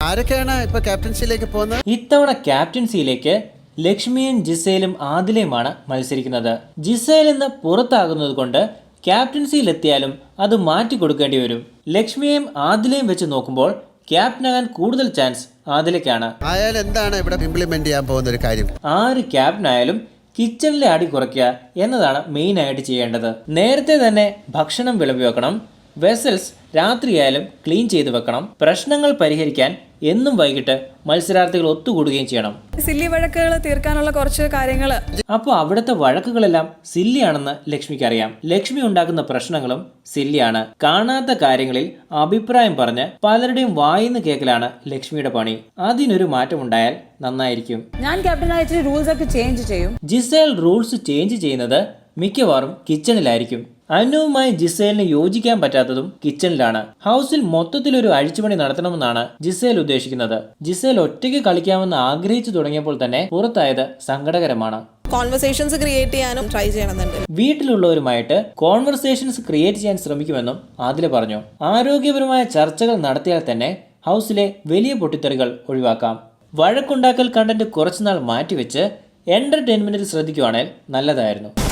ആരൊക്കെയാണ് ഇപ്പൊ ക്യാപ്റ്റൻസിയിലേക്ക് പോകുന്നത്? ഇത്തവണ ക്യാപ്റ്റൻസിയിലേക്ക് ലക്ഷ്മിയും ജിസേലും ആദിലയുമാണ് മത്സരിക്കുന്നത്. ജിസേൽ ഇന്ന് പുറത്താകുന്നത് കൊണ്ട് ക്യാപ്റ്റൻസിയിലെത്തിയാലും അത് മാറ്റി കൊടുക്കേണ്ടി വരും. ലക്ഷ്മിയെയും ആദിലയും വെച്ച് നോക്കുമ്പോൾ ക്യാപ്റ്റനാകാൻ കൂടുതൽ ചാൻസ് ആദിലയ്ക്കാണ്. ആയാലും എന്താണ് ഇവിടെ ഇംപ്ലിമെന്റ് ചെയ്യാൻ പോകുന്ന ഒരു കാര്യം? ആര് ക്യാപ്റ്റനായാലും കിച്ചണിലെ അടി കുറയ്ക്കുക എന്നതാണ് മെയിൻ ആയിട്ട് ചെയ്യേണ്ടത്. നേരത്തെ തന്നെ ഭക്ഷണം വിളമ്പി വെക്കണം. വെസൽസ് രാത്രിയായാലും ക്ലീൻ ചെയ്ത് വെക്കണം. പ്രശ്നങ്ങൾ പരിഹരിക്കാൻ എന്നും വൈകിട്ട് മത്സരാർത്ഥികൾ ഒത്തുകൂടുകയും ചെയ്യണം. സില്ലി വഴക്കുകൾ തീർക്കാനുള്ള കുറച്ച് കാര്യങ്ങൾ. അപ്പോൾ അവിടുത്തെ വഴക്കുകളെല്ലാം സില്ലിയാണെന്ന് ലക്ഷ്മിക്ക് അറിയാം. ലക്ഷ്മി ഉണ്ടാക്കുന്ന പ്രശ്നങ്ങളും സില്ലിയാണ്. കാണാത്ത കാര്യങ്ങളിൽ അഭിപ്രായം പറഞ്ഞ് പലരുടെയും വായിന്ന് കേൾക്കലാണ് ലക്ഷ്മിയുടെ പണി. അതിനൊരു മാറ്റം ഉണ്ടായാൽ നന്നായിരിക്കും. ഞാൻ ക്യാപ്റ്റനായിട്ട് റൂൾസ് ഒക്കെ ചേഞ്ച് ചെയ്യും. ജിസേൽ റൂൾസ് ചേഞ്ച് ചെയ്യുന്നത് മിക്കവാറും കിച്ചണിലായിരിക്കും. അനുവുമായി ജിസേലിന് യോജിക്കാൻ പറ്റാത്തതും കിച്ചണിലാണ്. ഹൗസിൽ മൊത്തത്തിലൊരു അഴിച്ചുപണി നടത്തണമെന്നാണ് ജിസേൽ ഉദ്ദേശിക്കുന്നത്. ജിസേൽ ഒറ്റയ്ക്ക് കളിക്കാമെന്ന് ആഗ്രഹിച്ചു തുടങ്ങിയപ്പോൾ തന്നെ പുറത്തായത് സങ്കടകരമാണ്. കോൺവെർസേഷൻസ് ക്രിയേറ്റ് ചെയ്യാനും ട്രൈ ചെയ്യണമെന്നുണ്ട്. വീട്ടിലുള്ളവരുമായിട്ട് കോൺവെർസേഷൻസ് ക്രിയേറ്റ് ചെയ്യാൻ ശ്രമിക്കുമെന്നും ആദില പറഞ്ഞു. ആരോഗ്യപരമായ ചർച്ചകൾ നടത്തിയാൽ തന്നെ ഹൗസിലെ വലിയ പൊട്ടിത്തെറികൾ ഒഴിവാക്കാം. വഴക്കുണ്ടാക്കൽ കണ്ടന്റ് കുറച്ചുനാൾ മാറ്റിവെച്ച് എന്റർടൈൻമെന്റിൽ ശ്രദ്ധിക്കുവാണെങ്കിൽ നല്ലതായിരുന്നു.